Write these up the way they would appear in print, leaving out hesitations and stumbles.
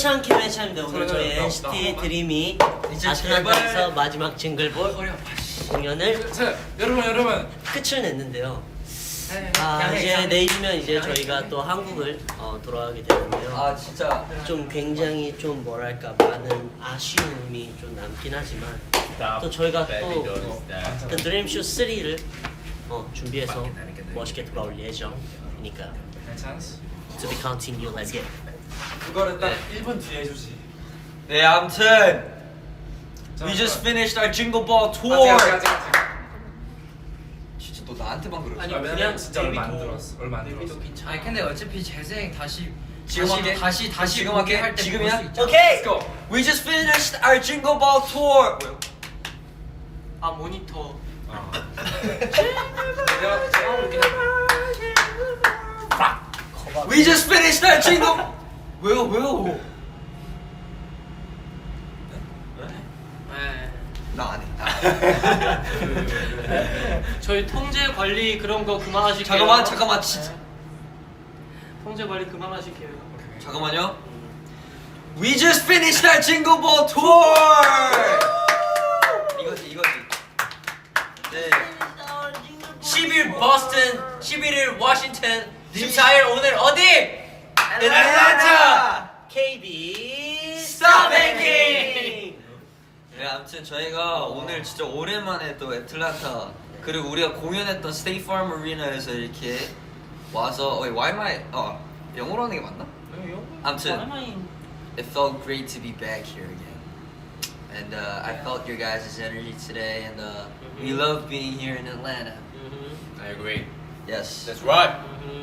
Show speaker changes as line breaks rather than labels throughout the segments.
희창 김혜찬입니다. 오늘 저희 NCT 드림이 아틀란타에서 마지막 징글볼 공연을
여러분
끝을 냈는데요. 이제 내일이면 이제 저희가 또 한국을 돌아가게 되는데요.
아 진짜
좀 굉장히 좀 뭐랄까 많은 아쉬움이 좀 남긴 하지만 또 저희가 또 드림쇼 3를 준비해서 멋있게 돌아올 예정이니까 To be continued. Let's get.
그거를 딱 1분 뒤에 해주지.
네 아무튼 We just finished our Jingle Ball tour. 진짜 너 나한테만 그러지?
아니 그냥 진짜 얼마 안 들었어. 얼마 안 들었어.
아니 근데 어차피 재생 다시
지금 할게.
다시
지금
보게
할게.
할때
지금이야?
오케이.
Let's go.
We just finished our Jingle Ball tour. 뭐요?
아 모니터
We just finished our Jingle. 왜요?
네.
나 안 해.
저희 통제 관리 그런 거 그만하실게요.
잠깐만 진짜.
통제 관리 그만하실게요.
잠깐만요. We just finished our Jingle Ball tour. 이거지. 네.
10일 버스턴, 11일 워싱턴, 14일 오늘 어디?
애틀랜타.
KB
스타뱅킹. 네, 아무튼 저희가 오늘 진짜 오랜만에 또 애틀랜타 그리고 우리가 공연했던 State Farm Arena에서 이렇게 와서 why am I 영어로 하는 게 맞나? 아무튼 it felt great to be back here again, and I felt your guys' energy today, and we love being here in Atlanta.
I agree.
Yes.
That's right.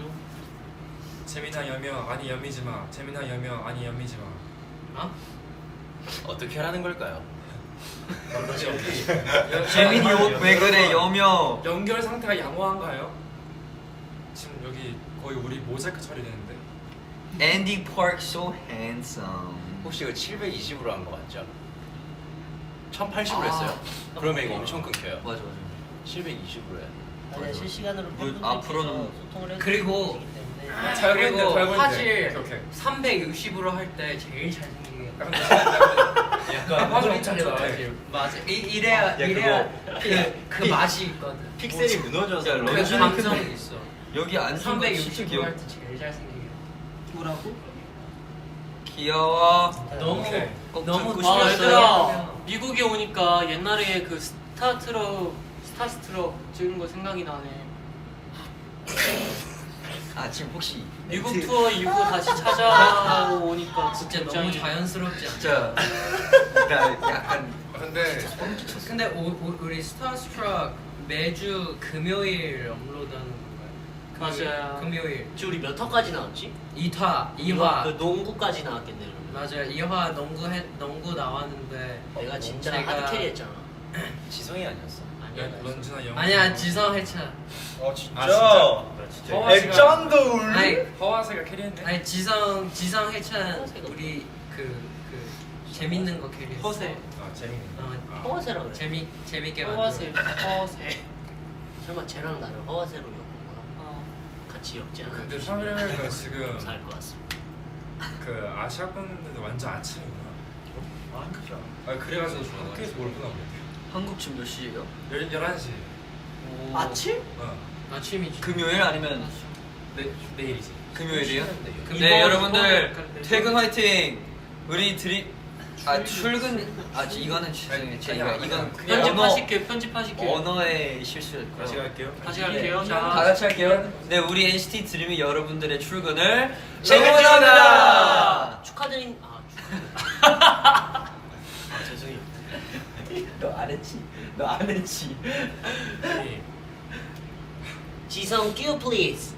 재민아 여명 아니 여미지 마. 재민아 여명 아니 여미지 마.
어떻게 하라는 걸까요?
재민이 옷 왜 그래 여명?
연결 상태가 양호한가요? 지금 여기 거의 우리 모자이크 처리되는데.
Andy Park so handsome.
혹시 이거 720으로 한 거 맞죠? 1080으로 했어요. 그러면 이거 엄청 끊겨요.
맞아.
720으로 해.
아니야, 실시간으로 팬분들께서
앞으로는
소통을
그리고
해주시기 때문에
잘 보이는데, 잘 보이는데.
화질
오케이.
360으로 할 때 제일 잘생기게.
약간 화질 엄청
잘
좋대.
나와요. 맞아. 이래야 그 맛이 있거든.
픽셀이 무너져서
그
런쥔이
감성이 있어.
여기 앉은 거 진짜
360으로
귀여워.
할 때 제일 잘생기게.
뭐라고?
귀여워.
너무
오케이.
꼭
너무
듣고
아
싶었어요.
얘들아 미국에 오니까 옛날에 그 스타스트럭 찍은 거 생각이 나네.
아 지금 혹시
미국
멘트-
투어 이후 다시 찾아오니까
진짜 너무
굉장히
자연스럽지 않아?
진짜 나 약간
근데
근데 우리 스타스트럭 매주 금요일 업로드하는 건가요?
맞아요.
금요일
지금 우리 몇 화까지 나왔지?
2화
그 농구까지 나왔겠네 그러면.
맞아요. 2화 농구 나왔는데
내가 진짜
제가-
하드캐리했잖아.
지성이 아니었어?
아니야.
런쥔아 영.
아니야 지성 해찬.
진짜?
액션도
아니
허와세가 캐리했네.
아니 지성 해찬 우리 그 재밌는 거 캐리.
허세.
아 재밌네.
허와세라 그래.
재밌게
허세.
만들어.
허세.
설마 쟤랑 나를 허와세로 엮은 거야? 같이 엮지 않아?
근데 사회가 지금
살 것 같습니다.
그 아시아권인데도 완전 아침이구나. 아 그래가지고 학교에서 뭘 보나 보네.
한국 지금 몇 시예요?
11시.
아침?
아침이지.
금요일 아니면
내일이지.
금요일이요?
금요일.
네 여러분들
이번-
퇴근 화이팅. 우리 출근 이거는 죄송해요. 제가 이건 그냥
편집하실게요.
언어의 실수였고요.
다시 갈게요.
다시 갈게요.
다
자,
같이 할게요. 네 우리 NCT 드림이 여러분들의 출근을
책임집니다.
응원합니다.
축하드립니다. 죄송해요.
너 안 했지.
지성 큐 플리즈.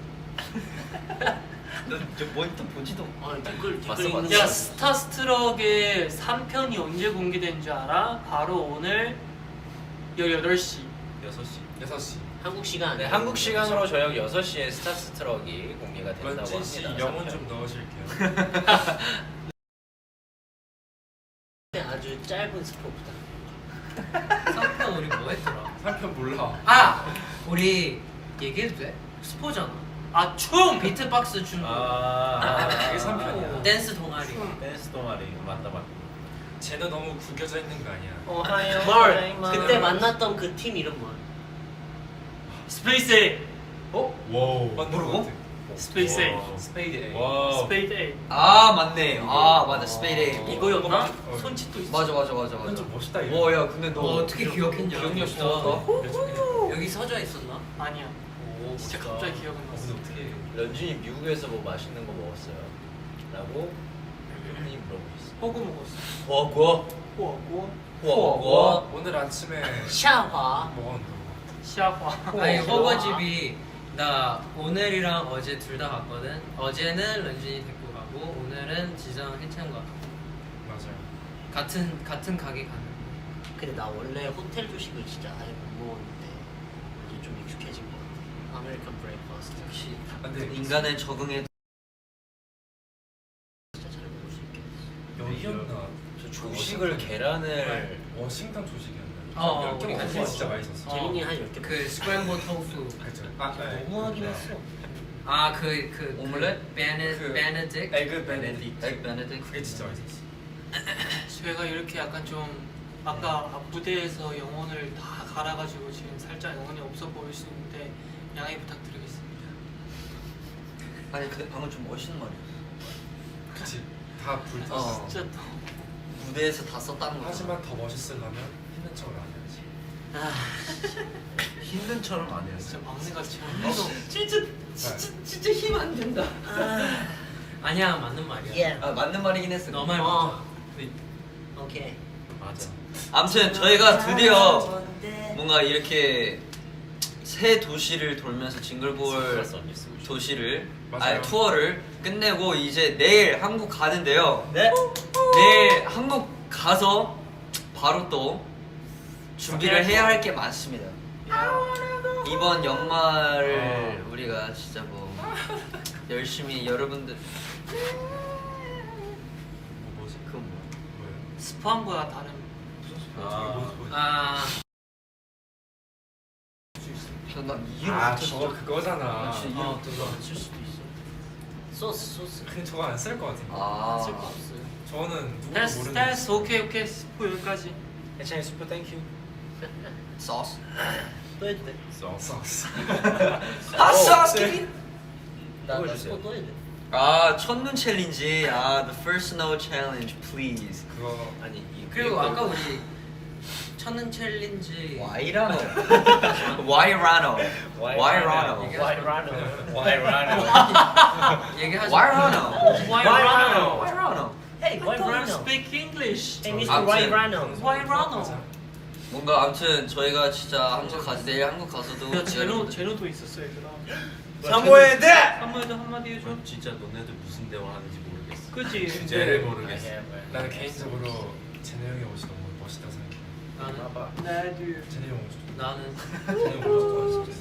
너저 모니터 보지도.
댓글
봤어,
읽는
봤어.
야
거.
스타스트럭의 3편이 언제 공개된 줄 알아? 바로 오늘 18시.
6시.
한국 시간.
네, 한국 시간으로 저녁 6시에 스타스트럭이 공개가 된다고
런쥔 씨
합니다.
영혼 좀 넣으실게요.
아주 짧은 스포부터.
3편 우리 뭐 했더라?
3편 몰라.
아 우리 얘기해도 돼? 스포잖아.
아 춤!
비트박스 춤.
그게 3편이야.
댄스 동아리.
댄스 동아리 맞다.
쟤도 너무 구겨져 있는 거 아니야?
뭘 그때 만났던 그 팀 이름 뭐야?
스페이스 A.
와우. 맞는
뭐라고?
거 같아.
스페이스 A.
스페이드 A.
와우.
스페이드 A.
아 맞네. 아 맞아 스페이드.
이거였나?
어.
손짓도 있어.
맞아.
이건 좀 멋있다 이거.
와야 근데 너
어떻게 기억했냐?
기억력 좋다.
여기 서져 있었나?
아니야.
오,
진짜
멋있다.
갑자기 기억은 났어.
근데 어떻게?
런쥔이 미국에서 뭐 맛있는 거 먹었어요? 라고 런쥔이 물어보고 있어.
호구 먹었어.
구워.
호구.
오늘 아침에
샤화.
먹었는데.
시아화.
아니 허거집이 나 오늘이랑 어제 둘 다 갔거든. 어제는 런쥔이 데리고 가고 오늘은 지성 해찬과
맞아요.
같은 가게 가는.
근데 나 원래 호텔 조식을 진짜 아예 못 먹었는데 이제 좀 익숙해진 것 같아. 아메리칸 브레이크파스트
역시
근데
인간은 적응해.
진짜 잘 먹을 수 있게.
여기였나?
저 조식을 계란을
워싱턴 조식이었나?
어,
몇
우리
개
같이
먹었어. 진짜
먹었어.
맛있었어.
재민이 한 10개
그 스크램블 토fu.
그죠? 아, 네.
너무하긴 했어.
아그
오믈렛?
베네딕.
에그 베네딕.
에그 베네딕.
그게 진짜 맛있었어.
제가 이렇게 약간 좀 아까 앞 무대에서 영혼을 다 갈아가지고 지금 살짝 영혼이 없어 보일 수 있는데 양해 부탁드리겠습니다.
아니 근데 방금 좀 멋있는 말이야.
그치? 다 불탔어.
어.
진짜 또
무대에서 다 썼다는 거야.
하지만 더 멋있으려면 힘든 척을 안 해야지.
힘든 처럼 안 해야지.
진짜 막내같이
진짜 힘 안 된다. 아니야 맞는 말이야.
예.
아 맞는 말이긴 했어.
너 말 맞아.
오케이.
맞아.
아무튼 저희가 드디어 뭔가 이렇게 새 도시를 돌면서 징글볼
선글라스 언니 쓰고 싶어.
도시를
맞아요.
아니 투어를 끝내고 이제 내일 한국 가는데요.
네.
내일 한국 가서 바로 또 준비를 해야 할 게 많습니다. 이번 연말을 우리가 진짜 뭐 열심히 여러분들
뭐지?
그건 뭐야?
뭐예요?
스파함과 다른
아
난 이해를
아
못했어.
저거 그거잖아.
진짜 이해를 못했어.
쓸 수도 있어. 소스.
근데 저거 안 쓸 것 같은데.
아
쓸 거 없어요.
저거는 누구도
됐어
모르는.
됐어 오케이 스포 여기까지.
해찬이 슈퍼 땡큐.
소스.
또 해도 돼.
소스.
아 소스.
나 스포 또 해도 돼.
아 첫눈 챌린지. 아 the first snow challenge please.
그거
아니 이
그리고 아까 우리 첫눈 챌린지
와이라노. 와이라노. 와이라노.
얘기하지.
와이라노.
와이라노.
와이라노.
Hey, why
Don't
Rano?
speak English.
Hey, Mr.
아무튼.
Why Rano?
Why Rano?
뭔가 아무튼 저희가 진짜 한국 가서 내일 한국 가서도
야 제노도 있었어 얘들아.
사모예드.
한마디 한마디 해줘.
진짜 너네들 무슨 대화하는지 모르겠어.
그지?
주제를 모르겠어.
나는 개인적으로 제네 형의 옷이 너무 멋있다 생각해.
나는
나도.
제네 형 옷이 좋다.
나는
제네 형 옷이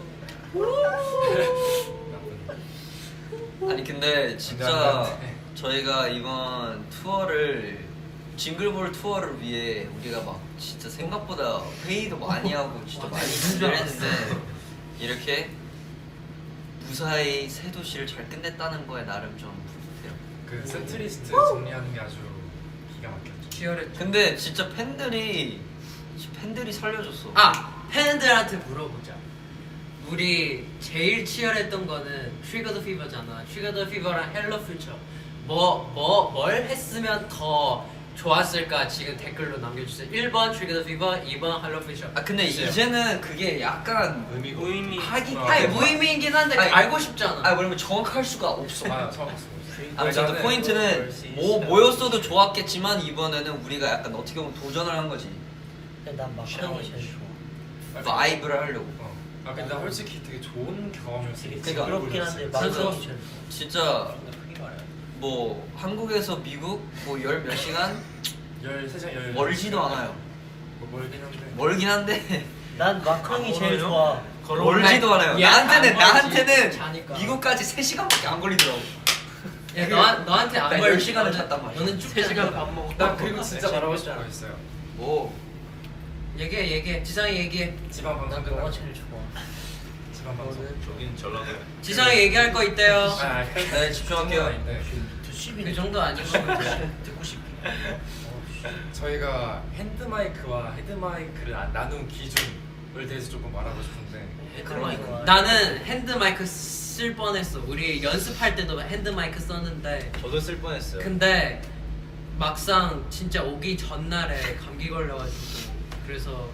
좋아.
아니 근데 진짜
나한테.
저희가 이번 투어를 징글볼 투어를 위해 우리가 막 진짜 생각보다 회의도 많이 하고 진짜 많이 준비를 했는데 이렇게 무사히 새 도시를 잘 끝냈다는 거에 나름 좀 뿌듯해요.
그 세트리스트 정리하는 게 아주 기가 막혔죠.
치열했죠.
근데 진짜 팬들이 살려줬어.
아 팬들한테 물어보자. 우리 제일 치열했던 거는 트리거 더 피버잖아. 트리거 더 피버랑 헬로 퓨처. 뭘 했으면 더 좋았을까 지금 댓글로 남겨주세요. 1번 트리거 더 피버, 2번 헬로 퓨처.
아 근데 이제는 그게 약간
무의미.
하기
아니 무의미이긴 한데
아니,
알고 싶잖아.
아 뭐냐면 정확할 수가 없어.
아 처음 봤어.
아무튼
나는
포인트는 뭐였어도 좋았겠지만 이번에는 우리가 약간 어떻게 보면 도전을 한 거지.
난 마카롱이 제일 좋아.
바이브를 하려고.
아 근데 나 솔직히 되게 좋은 경험이었어.
되게
그러니까
부끄럽긴 한데 마카롱이 제일 좋아.
진짜 뭐 한국에서 미국 뭐 열 몇 시간
13시간
멀지도 않아요.
뭐 멀긴 한데.
멀긴 한데
난 마카롱이 제일 좋아.
멀지도 않아요.
야,
나한테는
안 멀지.
나한테는
자니까.
미국까지 3시간밖에 안 걸리더라고.
야 너한테 안
나
걸려.
10시간을 잤단 말이야.
너는 쭉
3시간 밥 먹어.
나 그리고 진짜 말하고 싶은 거
잖아.
있어요.
뭐
얘기해. 지상이 얘기해.
지방 방송
난 너가
끝나고
제일 좋아.
주간 방송.
여긴 전라도.
지성이 얘기할 거 있대요.
네, 집중할게요.
그 정도 아니고 듣고 싶어.
저희가 핸드 마이크와 헤드 마이크를 나눈 기준을 대해서 조금 말하고 싶은데.
나는 핸드 마이크 쓸 뻔했어. 우리 연습할 때도 핸드 마이크 썼는데
저도 쓸 뻔했어요.
근데 막상 진짜 오기 전날에 감기 걸려가지고 그래서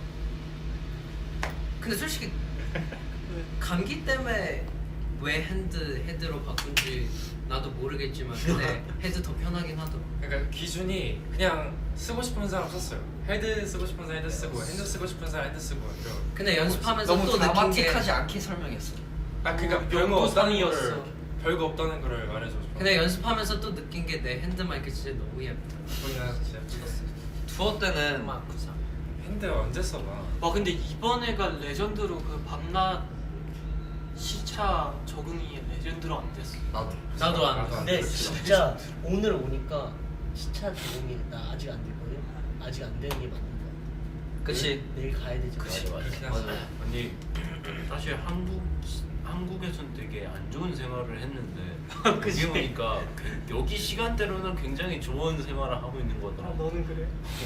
근데 솔직히 감기 때문에 왜 헤드로 바꾼지 나도 모르겠지만 근데 헤드 더 편하긴 하더라.
그러니까 기준이 그냥 쓰고 싶은 사람 썼어요. 헤드 쓰고 싶은 사람 헤드 쓰고, 핸드 쓰고 싶은 사람 핸드 쓰고 이런.
근데 연습하면서
너무
또 느낀 게
드라마틱하지 않게 설명했어.
그러니까 별거 없다는 거를 별거 없다는 거를 말해주고 싶어.
근데 연습하면서 또 느낀 게 내 핸드 마이크 진짜 너무 예쁘다.
보이나 진짜 찍었어.
투어 때는
핸드 언제 써봐?
와 근데 이번에가 레전드로 그 밤낮 시차 적응이 레전드로 안 됐어.
나도 안 돼.
근데 진짜 오늘 오니까 시차 적응이 나 아직 안 됐거든. 아직 안 되는 게 맞는 거 같아.
그치.
내일 가야 되지.
맞아.
아니 사실 한국에선 되게 안 좋은 생활을 했는데 여기 오니까 여기 시간대로는 굉장히 좋은 생활을 하고 있는 거더라고.
너는 그래?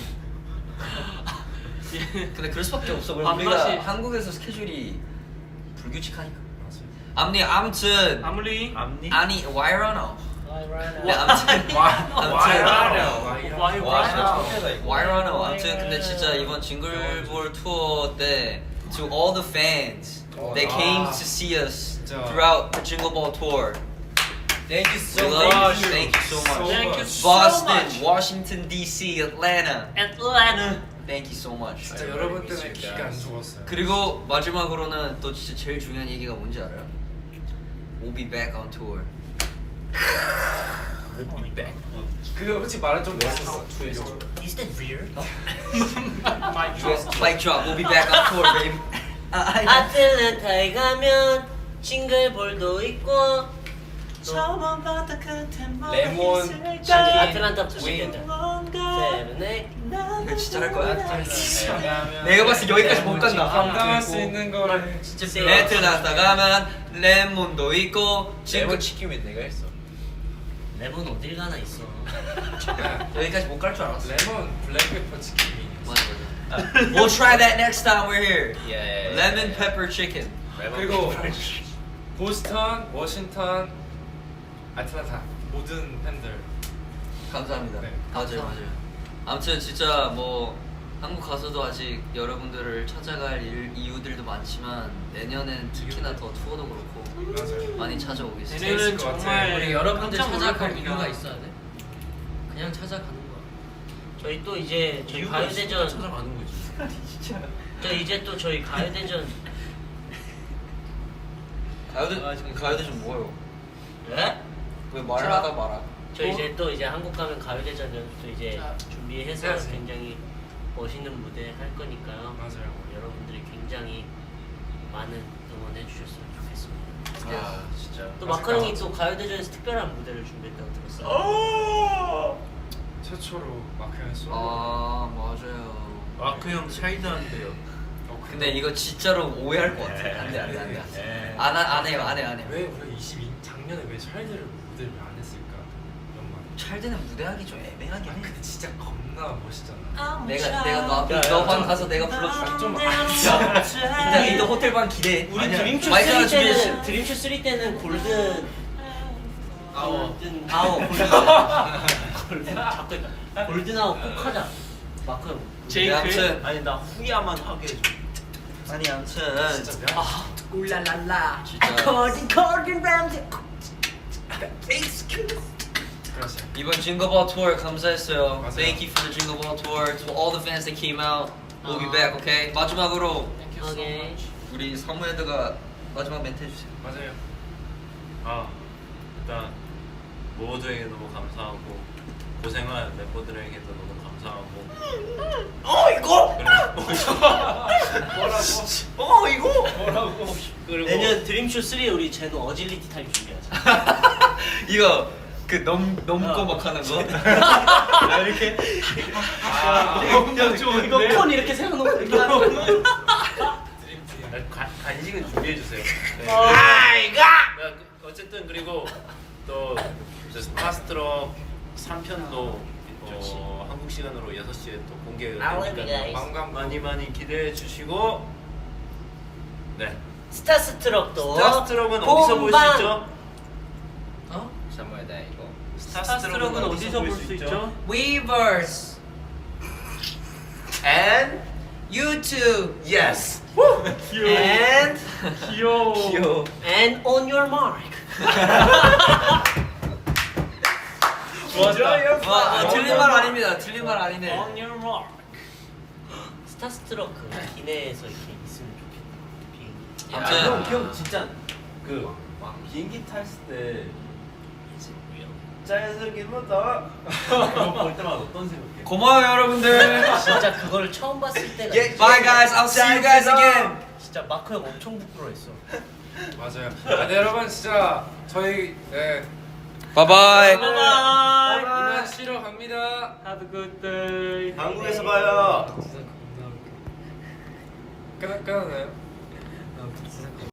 근데 그럴 수밖에 없어.
밤낮이-
우리가 한국에서 스케줄이 불규칙하니까. 암니 아무튼
아무리
앞니?
아니 와이러너. 네, 아무튼 와이러너. 아무튼 근데 진짜 이번 징글볼 투어 때 to all the fans that came to see us throughout the Jingle Ball tour.
Thank you
We
so
love
much.
you. Thank you so much.
Thank you so
Boston,
much.
Washington D.C., Atlanta.
애틀랜타.
Thank you so much.
진짜 여러분 때문에 기가 안 죽었어요.
그리고 마지막으로는 또 진짜 제일 중요한 얘기가 뭔지 알아요? We'll be back on tour.
그거 솔직히 말은 좀 멋있었어.
Is that real?
Mic drop. We'll be back on tour, baby.
아틀란타에 가면 싱글볼도 있고
저번 바다 끝에
레몬 치킨
아틀란타 부시겠다. 세븐에
이거 진짜 할 거야? 내가 봤을 때 여기까지 못 간다.
감당할 수 있는 거를
진짜
애틀란타 가면 레몬도 있고
레몬 치킨은 내가 했어.
레몬 어딜 가나 있어.
여기까지 못 갈 줄 알았어.
레몬 블랙페퍼 치킨이.
맞아. We'll try that next time we're here.
예.
Lemon pepper chicken.
그리고 보스턴, 워싱턴, 아틀란타 모든 팬들
감사합니다.
네.
맞아요. 아무튼 진짜 뭐 한국 가서도 아직 여러분들을 찾아갈 이유들도 많지만 내년엔 특히나 더 투어도 그렇고
맞아요.
많이 찾아오겠습니다.
내년은
것 같아.
정말
우리 여러분들
깜짝 놀랄
찾아갈
겁니다.
이유가 있어야 돼. 그냥 찾아가는 거야.
저희 또 이제 저희
이유가 있으니까
가요대전
찾아가는 거지.
저 이제 또 저희 가요대전
가요대전 뭐예요?
네?
왜 말을 하다 말아?
저 이제 또 이제 한국 가면 가요대전 연습도 이제
자,
준비해서
해야지.
굉장히 멋있는 무대 할 거니까요.
맞아요.
여러분들이 굉장히 많은 응원해 주셨으면 좋겠습니다.
아 진짜.
또 마카롱이 또 가요대전에서 특별한 무대를 준비했다고 들었어요.
최초로 마크 형의 솔로.
아 맞아요.
마크 형 차이드한데요.
근데 이거 진짜로 오해할 것 같아. 안돼
네.
안 해요.
왜 우리가 작년에 왜 찰드를 무대를 왜 안 했을까? 이런 말.
찰드는 무대하기 좀 애매하긴 해.
근데 진짜 겁나 멋있잖아.
내가 너방 가서 내가 불러줄게.
좀
일단 이도 호텔 방 기대.
우리
아니야.
드림쇼
마이크 하나
3
준비했어.
때는 드림쇼 3 때는 골든 골든 자꾸 골든 아워 꼭 하자. 마크 형.
네, 아무튼
아니 나 후야만 하게 해줘.
아니 아무튼
진짜 미안.
울랄랄라.
진짜
골든 램지.
그렇지.
이번 징거볼 투어 감사했어요.
맞아요.
Thank you for the Jingle Ball tour to all the fans that came out. We'll be back, okay? 마지막으로
Thank you so
오케이.
much.
우리 사무헤드가 마지막 멘트 해주세요.
맞아요.
아 일단 모두에게 너무 감사하고 고생한 멤버들에게도 너무 감사하고. 그리고
내년 드림쇼 3 우리 제노 어질리티 타임 준비하자.
이거 그 넘고 막 하는 거.
이렇게. 이거 콘 이렇게 세워놓고 이렇게 하는 거.
가, 간식은 준비해 주세요. 네. 어쨌든 그리고 또 스타스트럭 3편도 한국 시간으로 6시에 또 공개가 되니까 많이 기대해 주시고 네.
스타스트럭도
스타스트럭은 어디서 볼 수 있죠?
어?
사모에다 이거.
스타스트럭은 어디서 볼 수 있죠?
Weverse
And
YouTube
yes.
and
귀여워.
And on your mark.
좋았다.
틀린 말 아닙니다. 틀린 말 아니네.
On your mark. 스타스트럭 그 기내에서 이렇게 있으면 좋겠다. 비행기.
아무튼
형 진짜 그 비행기 탔을 때 자연스럽게 보다 그거 볼 때마다 어떤 생각해?
고마워요 여러분들.
진짜 그걸 처음 봤을 때가
Bye guys. I'll see you guys again.
진짜 마크 형 엄청 부끄러워했어.
맞아요. 아, 네, 여러분 진짜 저희
Bye bye.
이만 쉬러 갑니다.
Have a good day.
한국에서 봐요.
끝나나요?